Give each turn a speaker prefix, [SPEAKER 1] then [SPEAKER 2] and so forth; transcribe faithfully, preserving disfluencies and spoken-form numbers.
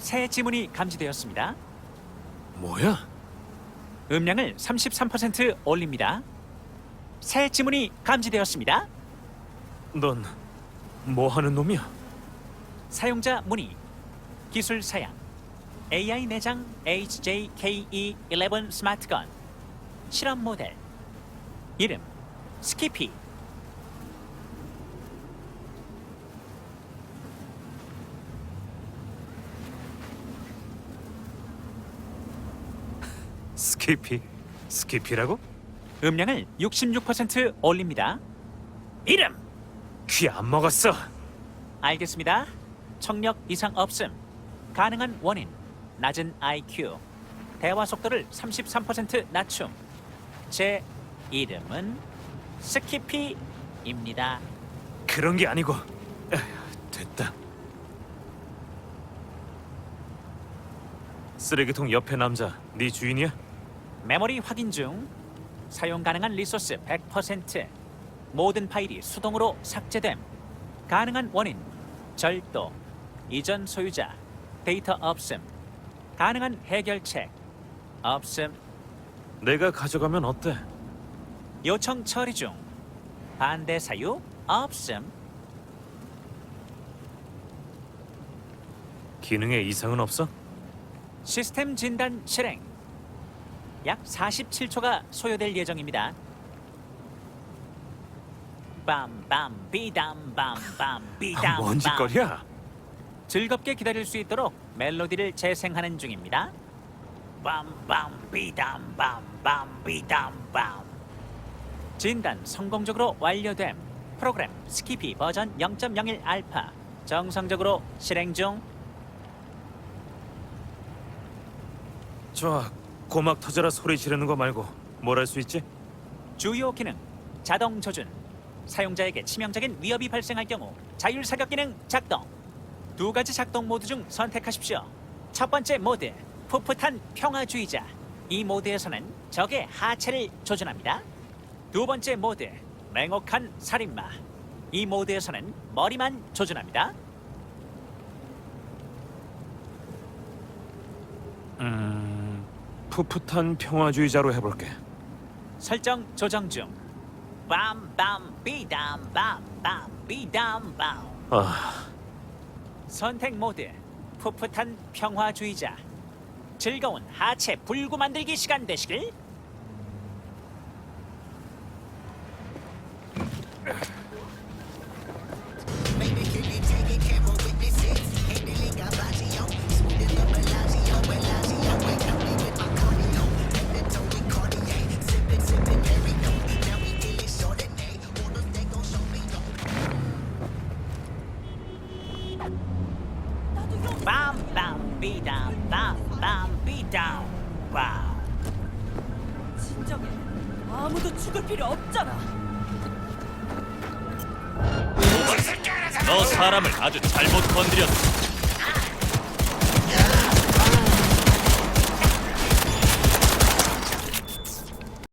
[SPEAKER 1] 새 지문이 감지되었습니다.
[SPEAKER 2] 뭐야?
[SPEAKER 1] 음량을 삼십삼 퍼센트 올립니다. 새 지문이 감지되었습니다.
[SPEAKER 2] 넌 뭐 하는 놈이야?
[SPEAKER 1] 사용자 문의, 기술 사양, 에이아이 내장 에이치 제이 케이 이 십일 스마트건, 실험 모델, 이름 스키피.
[SPEAKER 2] 스키피? 스키피라고?
[SPEAKER 1] 음량을 육십육 퍼센트 올립니다.
[SPEAKER 2] 이름! 귀 안 먹었어.
[SPEAKER 1] 알겠습니다. 청력 이상 없음. 가능한 원인 낮은 아이큐. 대화 속도를 삼십삼 퍼센트 낮춤. 제 이름은 스키피입니다.
[SPEAKER 2] 그런 게 아니고. 에휴, 됐다. 쓰레기통 옆에 남자, 네 주인이야?
[SPEAKER 1] 메모리 확인 중. 사용 가능한 리소스 백 퍼센트. 모든 파일이 수동으로 삭제됨. 가능한 원인 절도. 이전 소유자 데이터 없음. 가능한 해결책 없음.
[SPEAKER 2] 내가 가져가면 어때?
[SPEAKER 1] 요청 처리 중. 반대 사유 없음.
[SPEAKER 2] 기능에 이상은 없어?
[SPEAKER 1] 시스템 진단 실행. 약 사십칠 초가 소요될 예정입니다. 빰빰 비담 빰빰 비담.
[SPEAKER 2] 뭔 짓거리야?
[SPEAKER 1] 즐겁게 기다릴 수 있도록 멜로디를 재생하는 중입니다. 빰빰 비담 빰빰 비담 빰. 진단 성공적으로 완료됨. 프로그램 스키피 버전 영 점 영일 알파 정상적으로 실행 중.
[SPEAKER 2] 좋아, 고막 터져라 소리 지르는 거 말고 뭘 할 수 있지?
[SPEAKER 1] 주요 기능 자동 조준. 사용자에게 치명적인 위협이 발생할 경우 자율 사격 기능 작동. 두 가지 작동 모드 중 선택하십시오. 첫 번째 모드 풋풋한 평화주의자. 이 모드에서는 적의 하체를 조준합니다. 두 번째 모드 맹혹한 살인마. 이 모드에서는 머리만 조준합니다.
[SPEAKER 2] 음... 풋풋한 평화주의자로 해볼게.
[SPEAKER 1] 설정 조정 중. 빰빰 비담 빰빰 비담 빰.
[SPEAKER 2] 아...
[SPEAKER 1] 선택 모드 풋풋한 평화주의자. 즐거운 하체 불구 만들기 시간 되시길. 빰빰 비담 빰빰 비담 와우.
[SPEAKER 3] 진정해. 아무도 죽을 필요 없잖아.
[SPEAKER 4] 너 사람을 아주 잘못 건드렸어.